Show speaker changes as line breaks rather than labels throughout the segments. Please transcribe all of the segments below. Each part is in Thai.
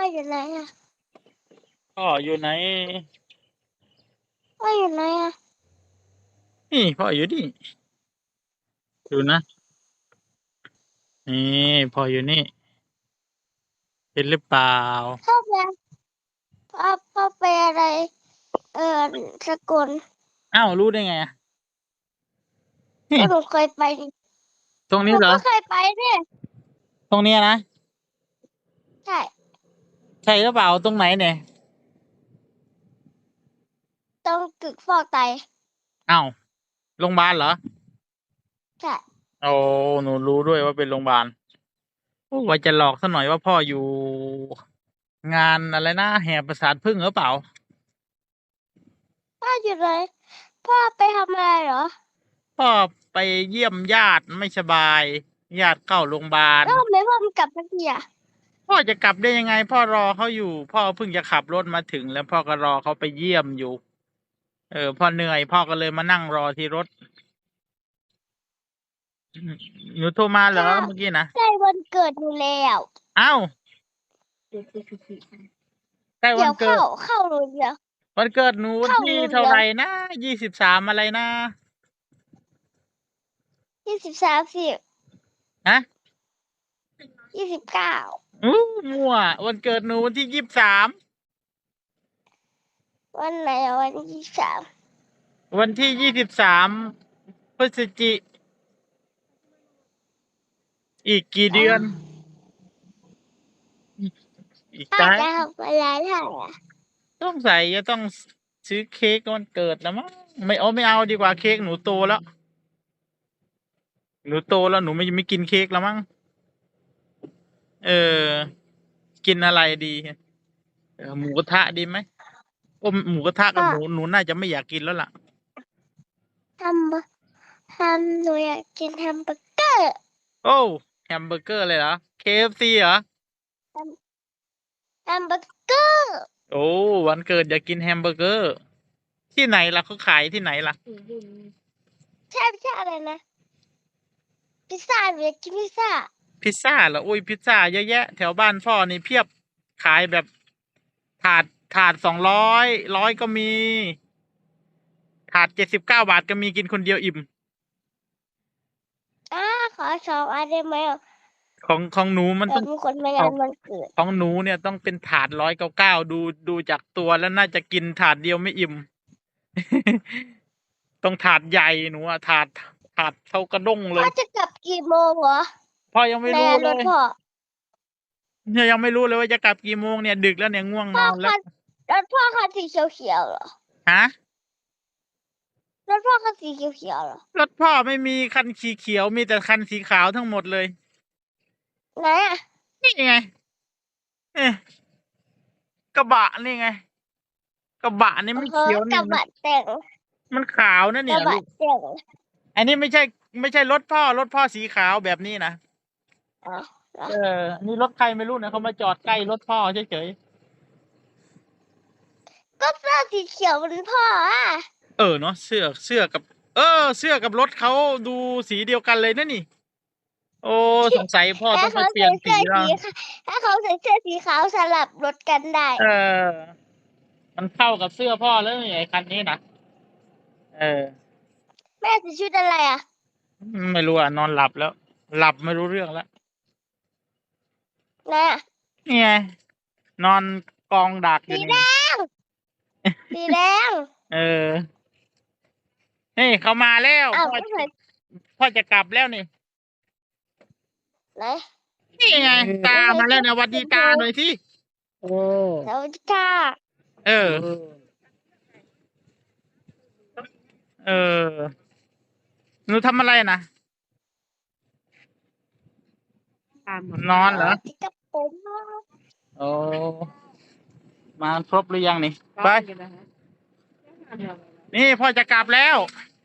อยู่ไหนอ่ะ
พ่ออยู่ไหน
พ่ออยู่ไหนอ่ะ
นี่พ่ออยู่นี่ดูนะนี่พ่ออยู่นี่เห็นหรือเปล่า
พ่อเป็นพ่อเป็นอะไรเออสกล
อ้าวรู้ได้ไงอะนี่
ก็หนูเคยไปนี่
ตรง
หนู
นี้เหรอ
ก็เคยไปเนี่ย
ตรงเนี้ยนะ
ใช่
ใช่หรือเปล่าตรงไหนเนี่ย
ต้องตึกฟอกไต
อ้าวโรงพยาบาลเหรอ
ใช่
โอ้หนูรู้ด้วยว่าเป็นโรงพยาบาลโอ้ว่าจะหลอกซะหน่อยว่าพ่ออยู่งานอะไรนะแห่ประสาทผึ้งหรือเปล่า
พ่ออยู่ไหนพ่อไปทำอะไรเหรอ
พ่อไปเยี่ยมญาติไม่สบายญาติเข้าโรงพยาบาล
แล้วทำไมพ่อไม่กลับสักทีอ่ะ
พ่อจะกลับได้ยังไงพ่อรอเขาอยู่พ่อเพิ่งจะขับรถมาถึงแล้วพ่อก็รอเขาไปเยี่ยมอยู่พ่อเหนื่อยพ่อก็เลยมานั่งรอที่รถหนูโทรมาเหรอ
ค่ะ
เมื่อกี้นะ
ใกล้วันเกิดหนูแล้ว
เอ้าใกล้
เดี๋ยว
วันเกิด
เข้าหนูเดี๋ยว
วันเกิดหนูวัน
เข้าห
ที่
นูเดี๋ยว
เท่าไหร่นะ23อะไรนะ
20 30
ฮะ
29
อู้มั่ววันเกิดหนูวันที่23
วันไหนวัน23
วันที่23พฤศจิอีกกี่เดือนอีก
พ่อ
ไกล
จะทำอะไรได้อ่ะ
ต้องใส่จะต้องซื้อเค้กวันเกิดแล้วมั้งไม่เอาดีกว่าเค้กหนูโตแล้วหนูโตแล้วหนูไม่กินเค้กแล้วมั้งเออกินอะไรดีหมูกระทะดีไหมหมูกระทะกับ
พ่อ
หนูน่าจะไม่อยากกินแล้วล่ะ
ทหนูอยากกินแฮมเบอร์เกอร์
โอ้แฮมเบอร์เกอร์เลยเหรอ KFC เหรอ
แฮมเบอร์เกอร์
โอ้วันเกิดอยากกินแฮมเบอร์เกอร์ที่ไหนล่ะเขาขายที่ไหนล่ะ
ใช่ไม่ใช่อะไรนะพิซซ่าหนูอยากกินพิซซ่า
พิซซ่าเหรอโอ้ยพิซซ่าเยอะแยะแถวบ้านพ่อนี่เพียบขายแบบถาด200ก็มีถาด79 บาทก็มีกินคนเดียวอิ่ม
อ่าขอ2 อันได้ไหมอ่ะ
ของหนูมันต้อง
มีคนมางา
เอา
นวันเกิด
ของหนูเนี่ยต้องเป็นถาด199ดูจากตัวแล้วน่าจะกินถาดเดียวไม่อิ่ม ต้องถาดใหญ่หนูอะถาดเท่ากระด้งเล
พ่อ
ย
จะกลับกี่โมงเหรอ
พ่อยังไม่
ใน
รู้เลย
รถพ่อ
เนี่ยยังไม่รู้เลยว่าจะกลับกี่โมงเนี่ยดึกแล้วเนี่ยง่วงน
พ่อ
อนแล้ว
รถพ่อคันสีเขียวๆเหรอ
ฮะ
รถพ่อคันสีเขียวๆเหรอ
รถพ่อไม่มีคันสีเขียวมีแต่คันสีขาวทั้งหมดเลย
ไหนอ่ะ
นี่ไงเอ๊ะกระบะนี่ไงกระบะนี่ไม่
เฮ้ย
เขียวนี่
กระบะแต่ง
มันขาวนะ
กระบะ
เนี่ยลูก
แต่ง
อันนี้ไม่ใช่รถพ่อสีขาวแบบนี้นะ
อ๋อเหรอ
นี่รถใครไม่รู้นะเขามาจอดใกล้รถพ่อเฉย
ก็เสื้อสีเขียวมันพ่ออ่ะ
เนาะเสื้อกับเสื้อกับรถเขาดูสีเดียวกันเลยนะนี่โอ้สงสัยพ่อ
ถ้า
ต้องไป
เขา
เปลี่ยนสี
ใส่เสื้อ
แล้ว
สีถ้าเขาใส่เสื้อสีขาวสลับรถกันได้
มันเข้ากับเสื้อพ่อแล้วนี่ไอ้คันนี้นะเออ
แม่ใส่ชุดอะไรอ่ะ
ไม่รู้อ่ะนอนหลับแล้ว หลับไม่รู้เรื่องแล้ว
ไหนอ่ะ
นี่ไงนอนกองดักอยู่
สีแด
นี่
งสีแดง
เออนี่เขามาแล้ว
อ้าว
พ่อ
ไม่ใส่
พ่อจะกลับแล้วนี่
ไหน
นี่ไงตามาแล้วนะหวัดดีตาหน่อยที่
สวัสดีค่ะ
เออเออหนูทำอะไรนะนอนเหรอ
ที่กับผม
โอ้มาครบหรือยังนี่ไปนี่พ่อจะกลับแล้ว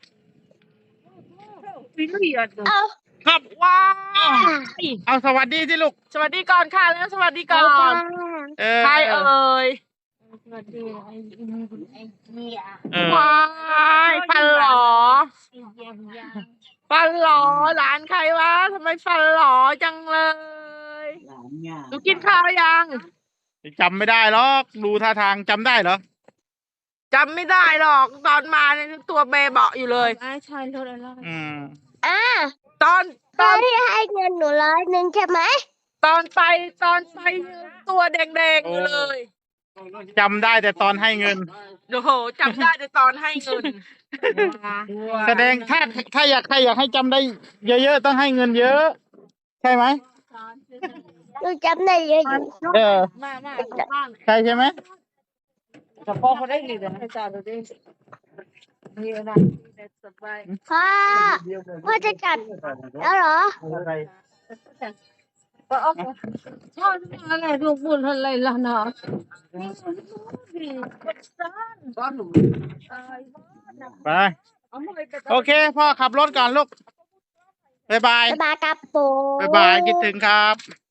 เอา
ครับว้าวเอาสวัสดีที่ลูก
สวัสดีก่อนค่ะแล้วสวัสดีก่อน ใครเอ่ย
สวัสดีไอ้เหี้ย
ว้ายฟันหลอฟันหลอหลานใครวะทำไมฟันหลอจังเลยหนูกินข้าวยัง
จำไม่ได้หรอกดูท่าทางจำได้เหรอ
จำไม่ได้หรอกตอนมาเนี่ยตัวเบเบาะอยู่เลย
อืม
อ่า
ตอน
ตอนที่ให้เงินหนู100ใช่ไหม
ตอนไปตัวแดงๆอยู่เลย
จำได้แต่ตอนให้เงิน
โอ้โหจำได้ในตอนให้เงิน
แสดงถ้าใครอยากให้จำได้เยอะๆต้องให้เงินเยอะ ใช่ไหม
หนูจำได้เยอะอยู่
เออใช่ใช่ไหม
พ่อเขาได้ดีเลยนะจานดูดินี่นะ
พ่อพ่อจะจัดแล้วเหรอ
พ่อจะมาอะไรลูกบุญอะไรล่ะเนาะ
ไป โอเค พ่อขับรถก่อนลูก บ๊ายบาย
บ๊ายบายครับผม
บ๊ายบาย คิดถึงครับ